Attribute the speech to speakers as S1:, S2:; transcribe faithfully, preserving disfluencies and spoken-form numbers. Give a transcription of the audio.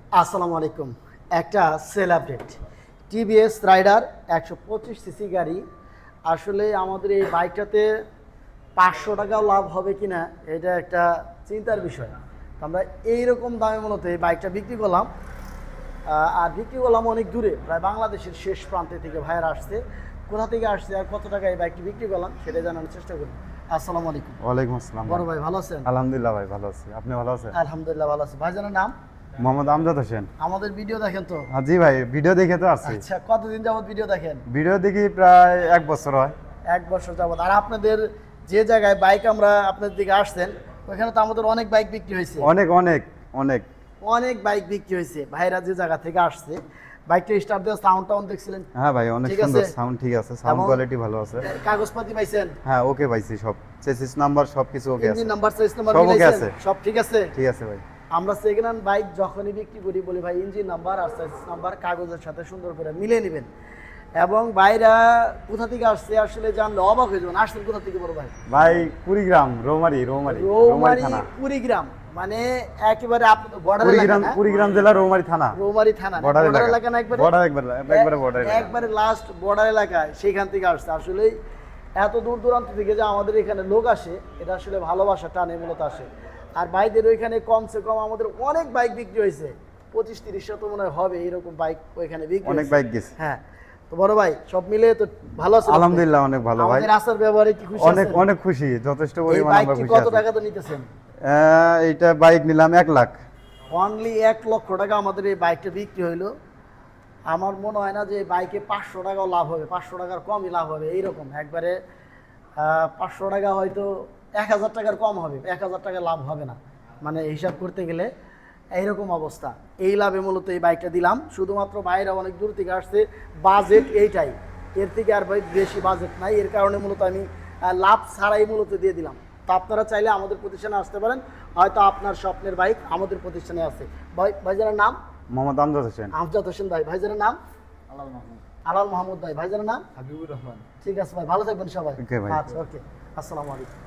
S1: আসসালামু আলাইকুম। একটা সেল আপডেট, টিভিএস রাইডার একশো পঁচিশ সিসি গাড়ি। আসলে আমাদের এই বাইকটাতে পাঁচশো টাকাও লাভ হবে কি না এটা একটা চিন্তার বিষয়। তো আমরা এইরকম দামে মূলত এই বাইকটা বিক্রি করলাম। আহ, আর বিক্রি করলাম অনেক দূরে, প্রায় বাংলাদেশের শেষ প্রান্তে থেকে ভাইয়ারা আসছে। কোথা থেকে আসছে আর কত টাকা এই বাইকটি বিক্রি করলাম সেটা জানানোর চেষ্টা করি। আসসালামু আলাইকুম।
S2: ওয়ালাইকুম আসসালাম।
S1: বড় ভাই ভালো আছেন?
S2: আলহামদুলিল্লাহ ভাই ভালো আছি, আপনি ভালো আছেন?
S1: আলহামদুলিল্লাহ ভালো আছি। ভাইজানের নাম?
S2: মোহাম্মদ আমজাদ হোসেন।
S1: আমাদের ভিডিও দেখেন তো?
S2: হ্যাঁ, জি ভাই, ভিডিও দেখে তো আসছি।
S1: আচ্ছা, কতদিন যাবত ভিডিও দেখেন?
S2: ভিডিও দেখি প্রায় এক বছর হয়।
S1: এক বছর যাবত। আর আপনাদের যে জায়গায় বাইক আমরা আপনাদের দিকে আসছেন ওইখানে তো আমাদের অনেক বাইক বিক্রি হয়েছে।
S2: অনেক অনেক অনেক
S1: অনেক বাইক বিক্রি হয়েছে। ভাইরা যে জায়গা থেকে আসছে বাইকটা স্টার্ট দেওয়া সাউন্ড টাউন দেখছিলেন?
S2: হ্যাঁ ভাই, অনেক
S1: ঠিক
S2: সুন্দর
S1: আছে?
S2: সাউন্ড, ঠিক আছে, সাউন্ড
S1: এবং
S2: কোয়ালিটি ভালো আছে।
S1: কাগজপাতি পাইছেন?
S2: হ্যাঁ ওকে পাইছি, সব চেসিস নাম্বার সব কিছু ওকে আছে।
S1: ইঞ্জিন নাম্বার, সাইজ নাম্বার
S2: সব ওকে
S1: মিলাইছেন?
S2: আছে।
S1: সব ঠিক আছে?
S2: ঠিক আছে ভাই।
S1: আমরা সেকেন্ড হ্যান্ড বাইক যখনই বিক্রি করি বলি ভাই ইঞ্জিন নাম্বার আর সাইজ নাম্বার কাগজের সাথে সুন্দর করে মিলিয়ে নেবেন। এবং বাইরা কোথা থেকে আসছে আসলে জানলে অবাক হয়ে যাবেন। আসছেন কোথা থেকে বড় ভাই?
S2: ভাই কুড়িগ্রাম, রৌমারি রৌমারি
S1: রৌমারি
S2: থানা।
S1: কুড়িগ্রাম মানে একেবারে আপনি তো বর্ডার
S2: কুড়িগ্রাম,
S1: এলাকা না?
S2: কুড়িগ্রাম জেলা, রৌমারি থানা।
S1: রৌমারি থানা
S2: বর্ডার
S1: বর্ডার
S2: এলাকা,
S1: এলাকা না? একবারে
S2: বর্ডার, একবারে একবারে বর্ডার এলাকা।
S1: একবারে লাস্ট বর্ডার এলাকায় সেখান থেকে আসছে। আসলে এত দূর দূরান্ত থেকে যে আমাদের এখানে লোক আসে এটা আসলে ভালোবাসা টানে মূলত আসে। আর ভাইদের ওইখানে কমসে কম আমাদের অনেক বাইক বিক্রি হয়েছে, পঁচিশ তিরিশ শত মনে হয় হবে এরকম বাইক ওইখানে বিক্রি
S2: অনেক
S1: হয়েছে।
S2: বাইক গেছে।
S1: হ্যাঁ, তো বড় ভাই সব মিলে তো ভালো আছে?
S2: আলহামদুলিল্লাহ অনেক ভালো ভাই।
S1: আমাদের আসার ব্যবহারে কি খুশি?
S2: অনেক
S1: আছেন?
S2: অনেক খুশি, যথেষ্ট
S1: এই
S2: পরিমাণ আমরা
S1: বাইকটি
S2: খুশি
S1: কত
S2: আছি।
S1: টাকা তো নিতেছেন?
S2: আহ, এইটা বাইক নিলাম এক লাখ।
S1: অনলি এক লক্ষ টাকা আমাদের এই বাইকটা বিক্রি হইলো। আমার মনে হয় না যে এই বাইকে পাঁচশো টাকাও লাভ হবে, পাঁচশো টাকার কমই লাভ হবে এইরকম একবারে। পাঁচশো টাকা হয়তো এক হাজার টাকার কম হবে, এক হাজার টাকা লাভ হবে না মানে হিসাব করতে গেলে এইরকম অবস্থা। এই লাভে মূলত এই বাইকটা দিলাম। শুধুমাত্র বাইরে অনেক দূর থেকে আসছে, বাজেট এইটাই, এর থেকে আর ভাই বেশি বাজেট নাই। এর কারণে মূলত আমি আহ, লাভ ছাড়াই মূলত দিয়ে দিলাম। তো আপনারা চাইলে আমাদের প্রতিষ্ঠানে আসতে পারেন, হয়তো আপনার স্বপ্নের বাইক আমাদের প্রতিষ্ঠানে আছে। ভাই ভাইজানের নাম?
S2: মোহাম্মদ আমজাদ হোসেন।
S1: আমজাদ হোসেন ভাই। ভাইজানের নাম?
S3: আলাল মাহমুদ।
S1: আলাল মাহমুদ ভাই। ভাইজানের নাম?
S3: হাবিবুর রহমান।
S1: ঠিক আছে ভাই, ভালো থাকবেন সবাই।
S2: Okay ভাই।
S1: আচ্ছা, ওকে, আসসালামু আলাইকুম।